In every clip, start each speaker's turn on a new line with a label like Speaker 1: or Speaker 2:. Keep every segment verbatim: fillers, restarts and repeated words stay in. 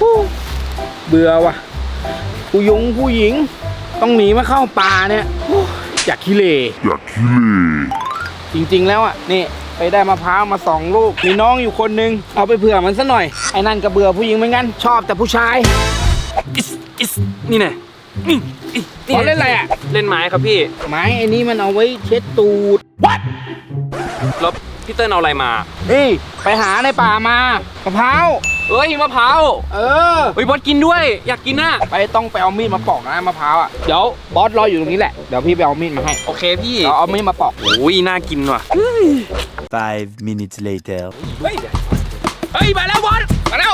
Speaker 1: เบื่อว่ะผู้ยงผู้หญิงต้องหนีมาเข้าป่าเนี่ยอยากขี้เหร่อยากขี้เหร่จริงๆแล้วอ่ะนี่ไปได้มะพร้าวมาสองลูกมีน้องอยู่คนนึงเอาไปเผื่อมันซะหน่อยไอ้นั่นก็เบื่อผู้หญิงเหมือนกันชอบแต่ผู้ชาย
Speaker 2: อิสอิสนี่ไงนี่
Speaker 1: บอลเล่นอะไรอ่ะ
Speaker 2: เล่นไม้ครับพี่
Speaker 1: ไม้ไอ้นี่มันเอาไว้เช็ดตูด What
Speaker 2: แล้วพี่เติ้ลเอาอะไรมา
Speaker 1: นี่ไปหาในป่ามามะพร้าว
Speaker 2: เอ้ยมะพร้าว
Speaker 1: เออ
Speaker 2: เฮ้ยบอสกินด้วยอยากกินน่ะ
Speaker 1: ไปต้องไปเอามีดมาปอกนะมะพร้าวอ่ะเดี๋ยวบอสรออยู่ตรงนี้แหละเดี๋ยวพี่ไปเอามีดมาให้
Speaker 2: โอเคพี่
Speaker 1: เราเอามีดมาปอก
Speaker 2: โอ้ยน่ากินว่ะ
Speaker 3: Five minutes later
Speaker 1: เฮ้ยเฮ้ยมาแล้วบอสมาแล้ว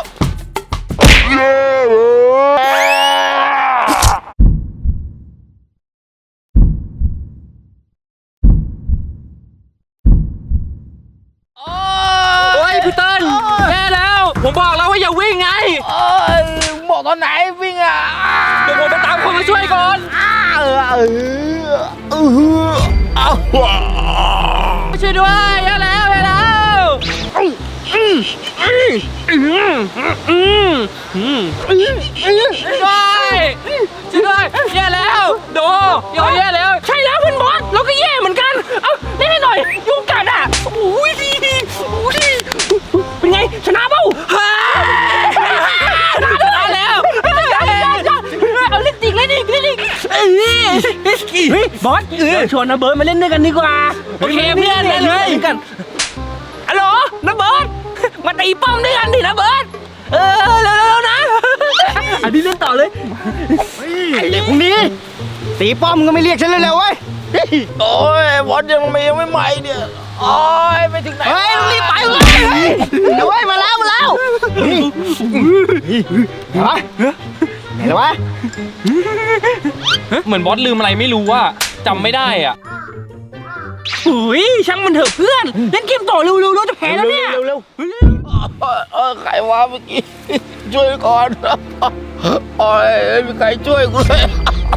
Speaker 2: พี่เติ้ลแย่แล้วผมบอกแล้วว่าอย่าวิ่งไง
Speaker 1: บอกตอนไหนวิ่งอ่ะ
Speaker 2: เดี๋ยวผมไปตามคนมาช่วยก่อน
Speaker 1: เออเออเออ
Speaker 2: ช่วยด้วยแย่แล้วแย่แล้วอืมอืมอืมอืมอืมช่วยช่วยด้วยแย่แล้วโดโยแย่แล้วใช่แล้วเพื่อนบอสเราก็แย่เหมือนกันเอ้าเล่นให้หน่อยยุงกัดอ่ะโอ้ยดีโอ้ยเป็นไงชนะเปล่าชนะแล้วเอาเล่นจริงเล่นอีกเล่นอีกเฮ้ยบอสเออชวนนะเบิร์ดมาเล่นด้วยกันดีกว่าโอเคเพื่อนเล่นเลยกันฮัลโหลนะเบิร์ดมาตีป้อมด้วยกันดินะเบิร์ดเออเร็วๆนะอันนี้เล่นต่อเลย
Speaker 1: ไอเด็กพวกนี้ตีป้อมก็ไม่เรียกฉันเลยแล้วเว้ยโอ้ยบอสยังไม่ยังไม่ใหม่เนี่ยโอ้ยไปถึงไหนเฮ้ยรีบไปเลยเฮ้ยมาแล้วมาแล้วไหนวะไหนวะ
Speaker 2: เหมือนบอสลืมอะไรไม่รู้ว่าจำไม่ได้อ่ะโอ้ยช่างมันเถอะเพื่อนเล่นเกมต่อเร็วๆเราจะแพ้แล้วเนี่ย
Speaker 1: เร็วๆเออใครวะเมื่อกี้ช่วยก่อนโอ้ยไม่มีใครช่วยกูเลย